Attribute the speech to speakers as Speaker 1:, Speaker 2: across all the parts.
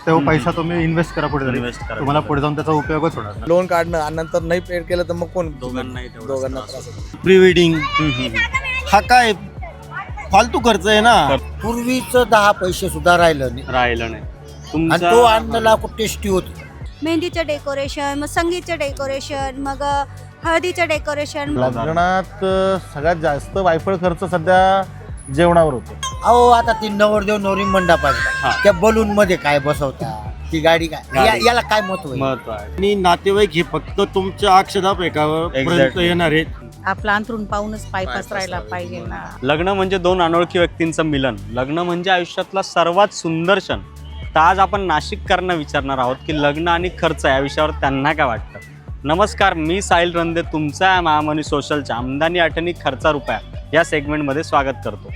Speaker 1: तो पैसा तुम्ही इन्व्हेस्ट करा पुढे जाऊन.
Speaker 2: इन्व्हेस्ट करा,
Speaker 1: तुम्हाला पुढे जाऊन त्याचा उपयोगच होणार नाही.
Speaker 3: लोन काढणं आणि नंतर नाही पेड केलं तर मग कोण
Speaker 2: दोघांनाही
Speaker 3: दोघांना त्रास होतो.
Speaker 4: प्री वेडिंग हा काय फालतू खर्च आहे ना.
Speaker 5: पूर्वीचं 10 पैसे सुद्धा राहिलं नाही
Speaker 2: राहिलं नाही
Speaker 5: आणि तो अन्नला खूप टेस्टी होतो.
Speaker 6: मेहंदीचं डेकोरेशन, मग संगीतचं डेकोरेशन, मग हळदीचं डेकोरेशन.
Speaker 3: लग्नात सगळ्यात जास्त वायफळ खर्च सध्या जेवणावर होतो.
Speaker 5: अहो आता ती नवरदेव नवरी मंडपात त्या बलून मध्ये काय बसवता, ती गाडी काय याला काय महत्व आहे?
Speaker 2: महत्व आहे.
Speaker 4: आणि नातेवाईक हे फक्त तुमच्या अक्षदा पर्यंत
Speaker 2: Exactly.
Speaker 4: येणार आहेत.
Speaker 7: आपला अंथरून पाहूनच पाय पसरायला पाहिजे ना.
Speaker 2: लग्न म्हणजे दोन अनोळखी व्यक्तींचं मिलन. लग्न म्हणजे आयुष्यातला सर्वात सुंदर क्षण. तर आज आपण नाशिककरांना विचारणार आहोत की लग्न आणि खर्च या विषयावर त्यांना काय वाटतं. नमस्कार, मी साहिल रंदे तुमचा महामनी सोशलच्या आमदानी आठवणी खर्चा रुपया या सेगमेंटमध्ये स्वागत करतो.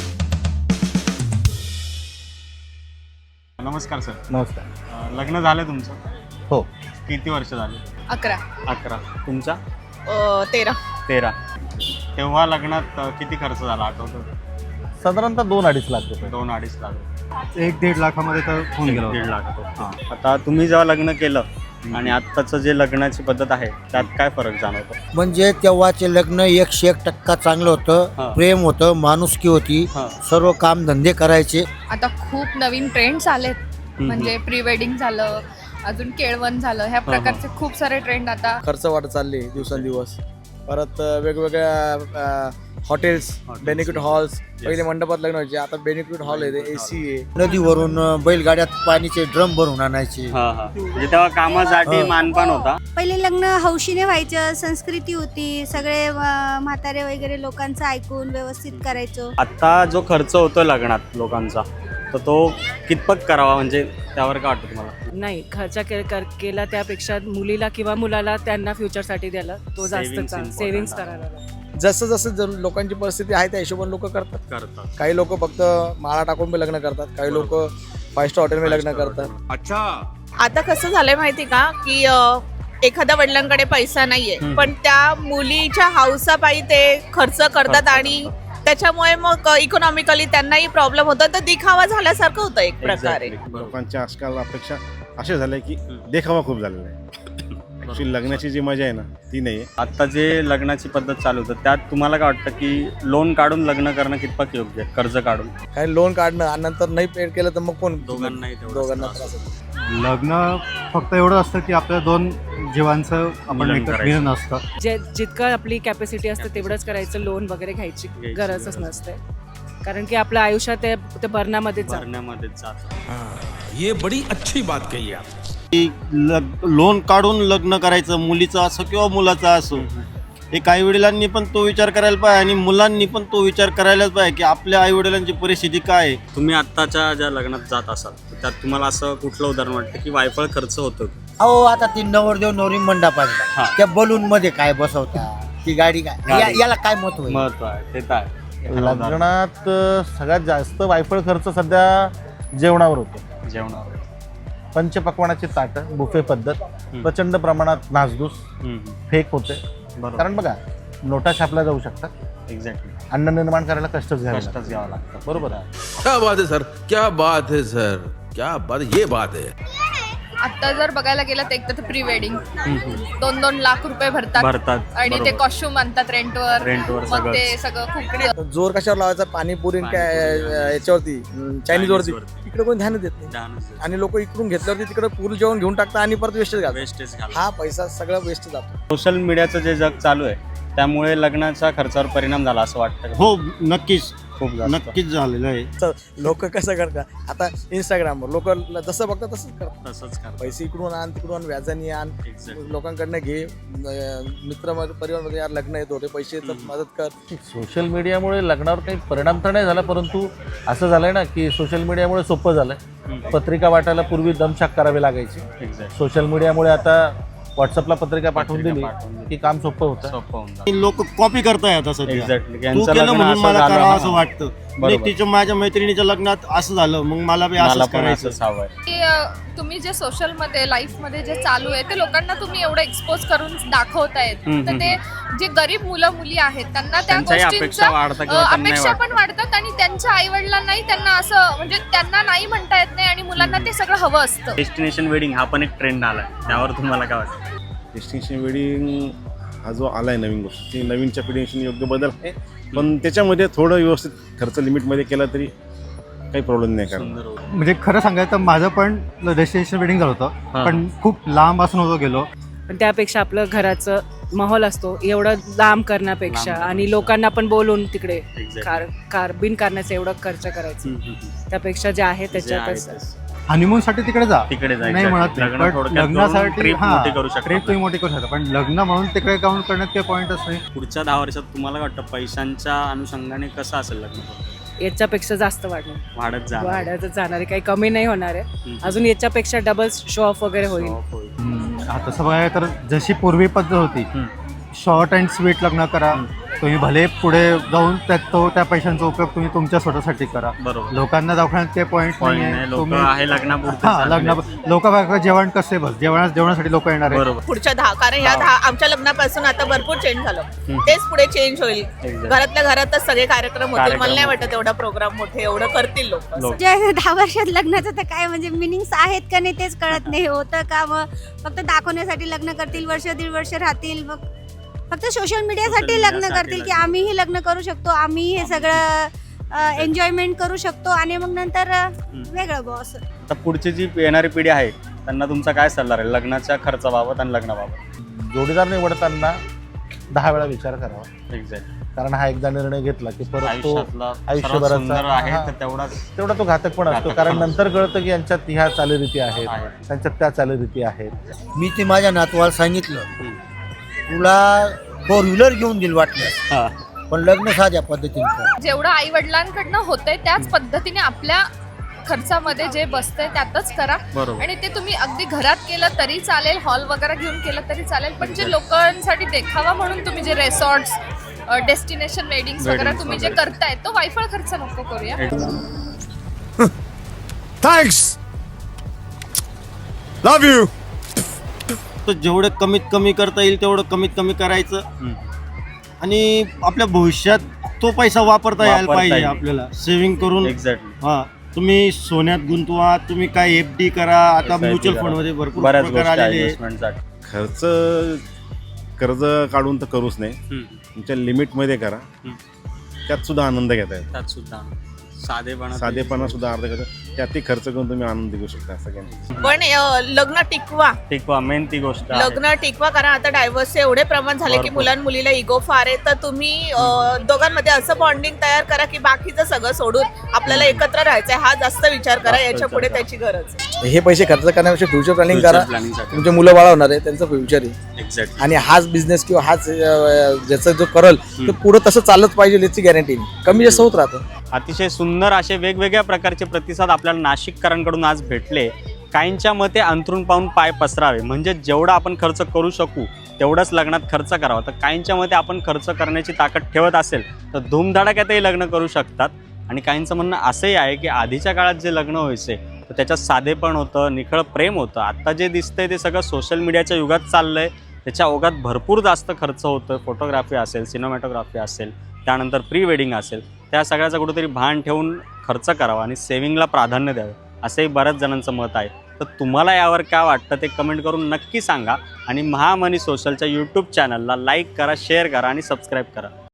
Speaker 2: नमस्कार सर.
Speaker 3: नमस्कार.
Speaker 2: लग्न झालं तुमचं?
Speaker 3: हो.
Speaker 2: किती वर्ष झाले? 11. तुमचा? 13. तेव्हा लग्नात किती खर्च झाला आठवतो?
Speaker 3: साधारणतः 2-2.5 लाख रुपये.
Speaker 2: 2-2.5 लाख.
Speaker 1: 1-1.5 लाखामध्ये तर होऊन गेलं
Speaker 2: 1.5
Speaker 1: होतं.
Speaker 2: लाख. आता तुम्ही जेव्हा लग्न केलं आणि आत्ताचं जे लग्नाची पद्धत आहे त्यात काय फरक जाणवतो?
Speaker 5: म्हणजे तेव्हाचे लग्न 101% चांगलं
Speaker 2: हा.
Speaker 5: होतं. प्रेम होतं, माणुसकी होती,
Speaker 2: हा.
Speaker 5: सर्व काम धंदे करायचे.
Speaker 8: आता खूप नवीन ट्रेंड्स आलेत. म्हणजे प्री वेडिंग झालं, अजून केळवण झालं, ह्या प्रकारचे खूप सारे ट्रेंड आता.
Speaker 3: खर्च वाढत चालले दिवसेंदिवस. परत वेगवेगळ्या हॉटेल्स, बेनिक्विट हॉल्स. पहिले मंडपात लग्न व्हायचे, आता बेनिक्विट हॉल आहे, AC आहे.
Speaker 5: नदीवरून बैलगाड्यात पाणीचे ड्रम भरून आणायचे.
Speaker 2: म्हणजे तेव्हा कामासाठी मानपान होता.
Speaker 6: पहिले लग्न हौशीने व्हायचं, संस्कृती होती, सगळे म्हातारे वगैरे लोकांचं ऐकून व्यवस्थित करायचो.
Speaker 2: आता जो खर्च होतो लग्नात लोकांचा तर तो कितपत करावा, म्हणजे त्यावर काय वाटतं तुम्हाला?
Speaker 7: नाही, खर्च केला त्यापेक्षा मुलीला किंवा मुलाला त्यांना फ्युचरसाठी द्यायला तो
Speaker 2: Savings
Speaker 7: जास्त
Speaker 2: important
Speaker 7: सेव्हिंग्स
Speaker 2: आहे.
Speaker 7: करायला लागला.
Speaker 3: जसं जसं लोकांची परिस्थिती आहे त्या हिशोबाने लोक करतात. काही लोक फक्त माळा टाकून बी लग्न करतात, काही लोक 5 स्टार हॉटेलमध्ये लग्न करतात.
Speaker 8: आता कसं झालंय माहिती का की एखाद्या वडिलांकडे पैसा नाहीये, पण त्या मुलीच्या हौसापायी ते खर्च करतात आणि त्याच्यामुळे मग इकॉनॉमिकली त्यांनाही प्रॉब्लेम होतो. तर दिखावा झाल्यासारखं होतं एक प्रकारे.
Speaker 9: लोकांच्या आजकाल अपेक्षा असे झाल्या की देखावा खूप झालेला आहे. ऍक्च्युली लग्नाची जी मजा आहे ना ती नाही आहे.
Speaker 2: आता जे लग्नाची पद्धत चालू होतं त्यात तुम्हाला काय वाटतं की लोन काढून लग्न करणं कितपत योग्य आहे? कर्ज काढून
Speaker 3: काही लोन काढणं आणि नंतर नाही पेड केलं तर मग कोण
Speaker 2: दोघांनाही
Speaker 3: दोघांना त्रास होतो.
Speaker 1: लग्न फक्त एवढं असतं की आपल्या 2 जीवांचं आपण
Speaker 2: मिलन
Speaker 1: एकत्र
Speaker 2: करायचं.
Speaker 1: मिलन असतं.
Speaker 7: जितकं आपली कॅपॅसिटी असते तेवढंच करायचं. लोन वगैरे घ्यायची गरजच नसते, कारण की आपल्या आयुष्यात ते भरण्यामध्येच जातं.
Speaker 2: भरण्यामध्येच जातं.
Speaker 10: ये बड़ी अच्छी बात कही आप.
Speaker 4: लोन काढून लग्न करायचं, मुलीचं असो किंवा मुलाचं असो. एक आई वडिलांनी पण तो विचार करायला पाहिजे आणि मुलांनी पण तो विचार करायलाच पाहिजे की आपल्या आई वडिलांची परिस्थिती काय आहे.
Speaker 2: तुम्ही आत्ताच्या ज्या लग्नात जात असाल तर त्यात तुम्हाला असं कुठलं उदाहरण वाटतं की वायफळ खर्च होतो?
Speaker 5: अहो आता ती नवरदेव नवरी मंडपात त्या बलून मध्ये काय बसवता, ती गाडी काय याला काय महत्व आहे?
Speaker 2: महत्व आहे ते तर आहे.
Speaker 3: लग्नात सगळ्यात जास्त वायफळ खर्च सध्या जेवणावर होतो.
Speaker 2: जेवणावर.
Speaker 3: पंचपक्वानाची ताटं, बुफे पद्धत, प्रचंड प्रमाणात नासधूस, फेक होते. कारण बघा, नोटा छापल्या जाऊ शकतात,
Speaker 2: एक्झॅक्टली.
Speaker 3: अन्न निर्माण करायला कष्टच
Speaker 2: घ्यावं
Speaker 3: घ्यावं
Speaker 2: लागतं.
Speaker 3: बरोबर आहे.
Speaker 10: क्या बात है सर, क्या बात है सर, क्या बात, ये बात है.
Speaker 8: आता जर बघायला गेलं तर एक तर प्री वेडिंग 2-2 लाख रुपये भरतात आणि ते कॉस्ट्युम आणतात रेंटवर. मग ते सगळं खूप
Speaker 3: जोर कशावर लावायचा? पाणीपुरी याच्यावरती, चायनीज वरती. इकडे कोणी ध्यान देत नाही आणि लोक इकडून घेतल्यावरती तिकडे पूर्ण जेवण घेऊन टाकतात आणि परत वेस्टेज घालतात. हा पैसा सगळं वेस्ट जातो.
Speaker 2: सोशल मीडियाचं जे जग चालू आहे त्यामुळे लग्नाच्या खर्चावर परिणाम झाला असं वाटतं?
Speaker 4: हो, नक्कीच
Speaker 2: खूप
Speaker 4: नक्कीच झालेलं आहे.
Speaker 3: लोक कसं करतात आता इंस्टाग्रामवर, लोक जसं बघतात तसंच करतात.
Speaker 2: तसंच करतात.
Speaker 3: पैसे इकडून आण, तिकडून व्याजाने आण, लोकांकडनं घे. मित्र परिवारमध्ये यार लग्न येतो, ते पैसे मदत कर. सोशल मीडियामुळे लग्नावर काही परिणाम तर नाही झाला, परंतु असं झालंय ना की सोशल मीडियामुळे सोपं झालंय. पत्रिका वाटायला पूर्वी दमछाक करावी लागायची. सोशल मीडियामुळे आता व्हॉट्सअपला पत्रिका पाठवून दिली की काम सोपं होतं.
Speaker 4: लोक कॉपी करताय आता सध्या.
Speaker 2: एक्झॅक्टली.
Speaker 4: तू केलं म्हणून मला करावं असं वाटतं. तिच्या माझ्या मैत्रिणीच्या लग्नात असं झालं, मग मला बी असंच करायचं.
Speaker 8: की तुम्ही जे सोशलमध्ये लाईफमध्ये जे चालू आहे ते लोकांना तुम्ही एवढं एक्सपोज करून दाखवतायत, तर ते जे गरीब मुलं मुली आहेत त्यांना त्या
Speaker 2: त्यांच्याही अपेक्षा
Speaker 8: गोष्टींचा
Speaker 2: वाढतात किंवा त्यांनाही
Speaker 8: अपेक्षा पण
Speaker 2: वाटतं.
Speaker 8: वाढतात आणि त्यांच्या आईवडिलांनाही त्यांना असं म्हणजे त्यांना नाही म्हणता येत नाही आणि मुलांना ते सगळं हवं असतं.
Speaker 2: डेस्टिनेशन वेडिंग हा पण एक ट्रेंड आलाय, त्यावर तुम्हाला काय वाटतं?
Speaker 9: डेस्टिनेशन वेडिंग हा जो आलाय नवीन गोष्ट, ती नवीनच्या पिढीशी योग्य बदल आहे, पण त्याच्यामध्ये थोडं व्यवस्थित खर्च लिमिटमध्ये केला तरी काही प्रॉब्लेम नाही. कारण
Speaker 2: सुंदर होतं.
Speaker 1: म्हणजे खरं सांगायचं तर माझं पण डेस्टिनेशन वेडिंग झालं होतं, पण खूप लांब असून होतो गेलो.
Speaker 7: पण त्यापेक्षा आपलं घराचं माहोल असतो एवढं लांब करण्यापेक्षा आणि लोकांना पण बोलून तिकडे बिनकारणाचं एवढं खर्च करायचं त्यापेक्षा जे आहे त्याच्यातच
Speaker 1: हनीमूनसाठी तिकडे जा,
Speaker 2: तिकडे जायचं.
Speaker 1: नाही म्हणत नाही,
Speaker 2: लग्न
Speaker 1: पण
Speaker 2: थोडक्यात करून
Speaker 1: लग्नासाठी
Speaker 2: trip मोठी करू शकता.
Speaker 1: ट्रिप तुम्ही मोठी करू शकता, पण लग्न म्हणून तिकडे काउंट करण्यात काही पॉईंटच नाही.
Speaker 2: पुढच्या 10 वर्षात तुम्हाला काय वाटतं पैशांच्या अनुषंगाने कसं असेल लग्न?
Speaker 7: याच्यापेक्षा जास्त वाढणार
Speaker 2: वाढत जा
Speaker 7: वाढतच जाणार आहे, काही कमी नाही होणार आहे. अजून याच्यापेक्षा डबल शो ऑफ वगैरे होईल.
Speaker 1: तसं बघायला तर जशी पूर्वी पद्धत होती, शॉर्ट अँड स्वीट लग्न करा, तुम्ही भले पुढे जाऊन त्या पैशांचा उपयोग तुम्ही तुमच्या स्वतःसाठी करा.
Speaker 2: बरोबर.
Speaker 1: लोकांना दाखवण्यात काही पॉईंट नाही.
Speaker 2: लोक आहे लग्नापुरते
Speaker 1: लोक जेवण कसे बस जेवणासाठी लोक येणार आहे.
Speaker 2: बरोबर.
Speaker 8: पुढच्या 10 कारण ह्या 10 आमच्या लग्नापासून आता भरपूर चेंज झालं, तेच पुढे चेंज होईल. घरातल्या घरातच सगळे कार्यक्रम होतील. मला नाही वाटत एवढा प्रोग्राम मोठे एवढं करतील लोक.
Speaker 6: जे 10 वर्षात लग्नाचं तर काय म्हणजे मिनिंग्स आहेत का नाही तेच कळत नाही. होतं का मग फक्त दाखवण्यासाठी लग्न करतील, वर्ष दीड वर्ष राहतील, मग फक्त सोशल मीडियासाठी लग्न करतील की आम्हीही लग्न करू शकतो, आम्ही हे सगळं एन्जॉयमेंट करू शकतो आणि मग नंतर वेगळं बॉस.
Speaker 2: आता पुढची जी येणारी पिढी आहे त्यांना तुमचा काय सल्ला राहील लग्नाच्या खर्चाबाबत आणि लग्नाबाबत?
Speaker 3: जोडीदार निवडताना 10 वेळा विचार करावा.
Speaker 2: एक्झॅक्ट.
Speaker 3: कारण हा एकदा निर्णय घेतला की परत तो
Speaker 2: आयुष्यातला सर्वात
Speaker 3: आयुष्यभराचा
Speaker 2: सुंदर आहे
Speaker 3: हा,
Speaker 2: तर
Speaker 3: तेवढा तो घातक पण असतो. कारण नंतर कळतं की यांच्यात ह्या चालीरीती आहेत,
Speaker 2: आहे.
Speaker 3: त्यांच्यात त्या चालीरीती आहेत.
Speaker 5: मी ते माझ्या नातवाला सांगितलं, तुला 4 व्हीलर घेऊन दिल वाटलं, पण लग्न साध्या पद्धतीने कर.
Speaker 8: जेवढं आई वडिलांकडनं होतंय त्याच पद्धतीने आपल्या खर्चामध्ये जे बसतंय त्यातच करा.
Speaker 2: बरोबर.
Speaker 8: आणि ते तुम्ही अगदी घरात केलं तरी चालेल, हॉल वगैरे घेऊन केलं तरी चालेल, पण जे लोकांसाठी देखावा म्हणून तुम्ही जे रेसॉर्ट्स, डेस्टिनेशन वेडिंग्स वगैरे तुम्ही जे करताय तो वायफळ खर्च नको करूया.
Speaker 10: Thanks, love you.
Speaker 4: तर जेवढं कमीत कमी करता येईल तेवढं कमीत कमी करायचं आणि आपल्या भविष्यात तो पैसा वापरता यायला पाहिजे. आपल्याला सेव्हिंग करून
Speaker 2: एक्झॅक्टली.
Speaker 4: हा, तुम्ही सोन्यात गुंतवा, तुम्ही काय FD करा. आता म्युच्युअल फंड मध्ये भरपूर
Speaker 2: बऱ्याच
Speaker 4: प्रकार
Speaker 2: गोष्टी
Speaker 4: आलेले आहे.
Speaker 2: इन्व्हेस्टमेंटसाठी.
Speaker 9: कर्ज काढून तर करूच नाही, तुमच्या लिमिटमध्ये करा. त्यात सुद्धा आनंद घेता येतो.
Speaker 2: त्यात सुद्धा
Speaker 9: साधेपणा सुद्धा अर्ध करतो, त्यातही खर्च करून तुम्ही आनंद घेऊ शकता. सगळ्यांनी
Speaker 8: पण लग्न टिकवा,
Speaker 2: मेन ती गोष्ट आहे.
Speaker 8: लग्न टिकवा. कारण आता डायव्हर्सचे एवढे प्रमाण झाले की मुलांमुलीला इगो फार आहे. तर तुम्ही दोघांमध्ये असं बॉन्डिंग तयार करा की बाकीचं सगळं सोडून आपल्याला एकत्र राहायचंय, हा जास्त विचार करा. याच्या पुढे त्याची गरज.
Speaker 3: हे पैसे खर्च करण्यापेक्षा फ्युचर प्लॅनिंग करा.
Speaker 2: प्लॅनिंगसाठी.
Speaker 3: तुमचे मुलं बाळ होणार आहे, त्यांचं फ्युचर आहे
Speaker 2: एक्झॅक्टली.
Speaker 3: आणि हाच बिझनेस किंवा हाच ज्याचा जो करल तो पुढे तसं चालत पाहिजे याची गॅरंटी कमी जास्त होत राहतं.
Speaker 2: अतिशय सुंदर असे वेगवेगळ्या प्रकारचे प्रतिसाद आपल्याला नाशिककरांकडून आज भेटले. काहींच्या मते अंथरूण पाहून पाय पसरावे, म्हणजे जेवढा आपण खर्च करू शकू तेवढंच लग्नात खर्च करावा. तर काहींच्या मते आपण खर्च करण्याची ताकद ठेवत असेल तर धूमधडाक्यातही लग्न करू शकतात. आणि काहींचं म्हणणं असंही आहे की आधीच्या काळात जे लग्न व्हायचे तर त्याच्यात साधेपण होतं, निखळ प्रेम होतं. आता जे दिसतंय ते सगळं सोशल मीडियाच्या युगात चाललंय. त्याच्या ओघात भरपूर जास्त खर्च होतं. फोटोग्राफी असेल, सिनेमॅटोग्राफी असेल, त्यानंतर प्री वेडिंग असेल, त्या सगळ्याचं कुठेतरी भान ठेवून खर्च करावा आणि सेव्हिंगला प्राधान्य द्यावे असंही बऱ्याच जणांचं मत आहे. तर तुम्हाला यावर काय वाटतं ते कमेंट करून नक्की सांगा. आणि महामनी सोशलच्या यूट्यूब चॅनलला लाईक करा, शेअर करा आणि सबस्क्राईब करा.